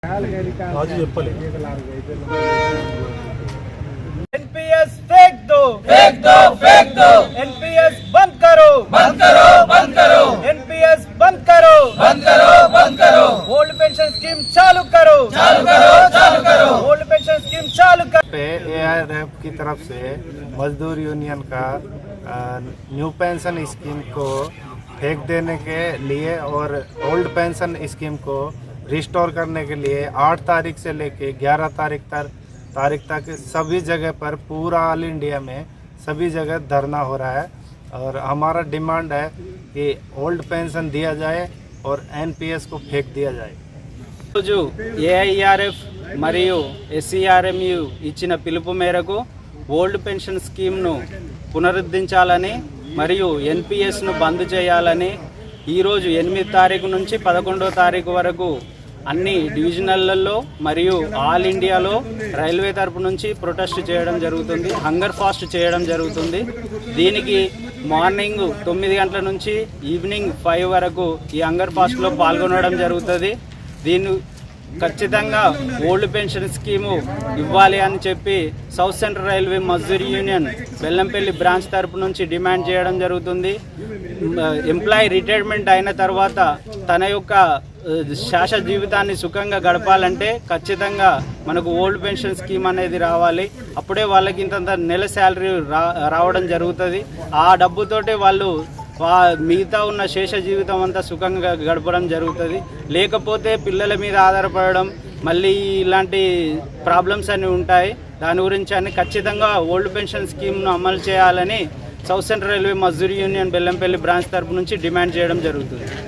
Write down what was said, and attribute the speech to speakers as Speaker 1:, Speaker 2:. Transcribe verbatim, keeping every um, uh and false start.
Speaker 1: आज చెప్పలే
Speaker 2: एनपीएस फेंक दो
Speaker 3: फेंक दो फेंक दो
Speaker 2: एनपीएस बंद करो
Speaker 3: बंद करो बंद करो
Speaker 2: एनपीएस बंद करो
Speaker 3: बंद करो बंद करो
Speaker 2: ओल्ड पेंशन स्कीम चालू करो
Speaker 3: चालू करो चालू करो
Speaker 2: ओल्ड पेंशन स्कीम चालू करो।
Speaker 4: पे एआरएफ की तरफ से मजदूर यूनियन का अ, न्यू पेंशन स्कीम को फेंक देने के लिए और ओल्ड पेंशन स्कीम को रिस्टोर करने के लिए आठ तारीख से लेके ग्यारह तारीख तक तारीख तक सभी जगह पर पूरा ऑल इंडिया में सभी जगह धरना हो रहा है और हमारा डिमांड है कि ओल्ड पेंशन दिया जाए और एनपीएस को फेंक दिया जाए।
Speaker 5: రోజు ఏఐఆర్ఎఫ్ మరియు ఎస్సీఆర్ఎంయు ఇచ్చిన పిలుపు మేరకు ఓల్డ్ పెన్షన్ స్కీమ్ను పునరుద్ధరించాలని మరియు ఎన్పిఎస్ను బంద్ చేయాలని ఈరోజు ఎనిమిది తారీఖు నుంచి పదకొండో తారీఖు వరకు అన్ని డివిజనల్లో మరియు ఆల్ ఇండియాలో రైల్వే తరపు నుంచి ప్రొటెస్ట్ చేయడం జరుగుతుంది, హంగర్ ఫాస్ట్ చేయడం జరుగుతుంది. దీనికి మార్నింగ్ తొమ్మిది గంటల నుంచి ఈవినింగ్ ఫైవ్ వరకు ఈ హంగర్ ఫాస్ట్లో పాల్గొనడం జరుగుతుంది. దీన్ని ఖచ్చితంగా ఓల్డ్ పెన్షన్ స్కీము ఇవ్వాలి అని చెప్పి South Central Railway Mazdoor Union Bellampalli branch తరపు నుంచి డిమాండ్ చేయడం జరుగుతుంది. ఎంప్లాయీ రిటైర్మెంట్ అయిన తర్వాత తన యొక్క శాశ్వత జీవితాన్ని సుఖంగా గడపాలంటే ఖచ్చితంగా మనకు ఓల్డ్ పెన్షన్ స్కీమ్ అనేది రావాలి. అప్పుడే వాళ్ళకి ఇంత నెల శాలరీ రా రావడం జరుగుతుంది. ఆ డబ్బుతోటే వాళ్ళు మిగతా ఉన్న శేష జీవితం అంతా సుఖంగా గడపడం జరుగుతుంది. లేకపోతే పిల్లల మీద ఆధారపడడం మళ్ళీ ఇలాంటి ప్రాబ్లమ్స్ అన్నీ ఉంటాయి. దాని గురించి అన్ని ఖచ్చితంగా ఓల్డ్ పెన్షన్ స్కీమ్ను అమలు చేయాలని South Central Railway Mazdoor Union Bellampalli branch తరపు నుంచి డిమాండ్ చేయడం జరుగుతుంది.